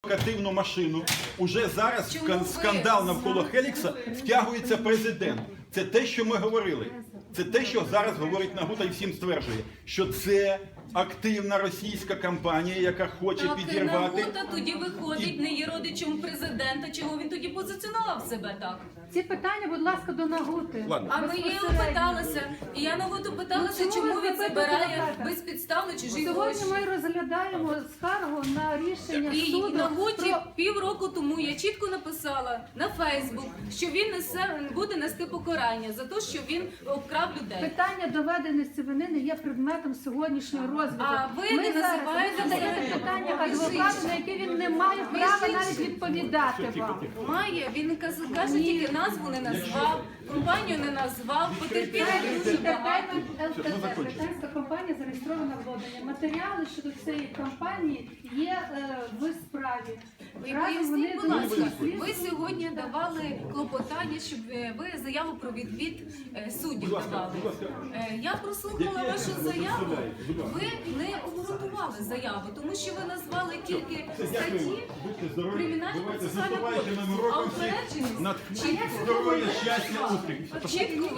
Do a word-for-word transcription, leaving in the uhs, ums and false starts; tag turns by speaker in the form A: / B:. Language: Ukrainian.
A: провокативну машину. Уже зараз в
B: Чому
A: кан-
B: ви
A: скандал навколо Хелікса втягується президент. Це те, що ми говорили. Це те, що зараз говорить Нагута і всім стверджує, що це активна російська кампанія, яка хоче
B: Так,
A: підірвати.
B: Нагута тоді виходить, не є родичем президента. Чого він тоді позиціонував себе так?
C: Ці питання, будь ласка, до Нагути.
A: Ладно.
B: А ми її
C: Безпосередньо.
B: питалися, і я Нагуту питалася,
C: Ну, чому
B: чому
C: ви
B: він
C: запитуєте
B: забирає
C: так?
B: безпідставно чужі
C: Сьогодні
B: гроші.
C: ми розглядаємо скаргу на рішення
B: І
C: суду
B: Нагуті
C: про...
B: півроку тому я чітко написала на Фейсбук, що він несе буде нести покарання за те, що він обкрав людей.
C: Питання доведеності вини не є предметом сьогоднішнього розгляду.
B: А ви
C: Ми
B: не
C: зараз
B: називаєте
C: задаєте
B: себе
C: питання
B: між
C: адвокату,
B: іншим.
C: на яке він не має права
B: Між
C: навіть
B: іншим.
C: відповідати вам.
B: Має, він каз- каже, тільки назву не назвав, компанію не назвав, потерпілих дуже багато.
C: Британська компанія зареєстрована в Лондоні. Матеріали щодо цієї компанії є е, в справі.
B: Ви
C: Разом
B: поясніть,
C: вони
B: будь ласка,
C: досліджують.
B: ви сьогодні давали клопотання, щоб е, ви заяву про відвід е, суддів давали. Е, Я прослухала вашу заяву, ви не обґрунтували заяву, тому що ви назвали тільки статті кримінального процесуального кодексу, а упередженість
A: Над
B: чітко.
A: здоров'я, щастя, успіх.
B: Чітко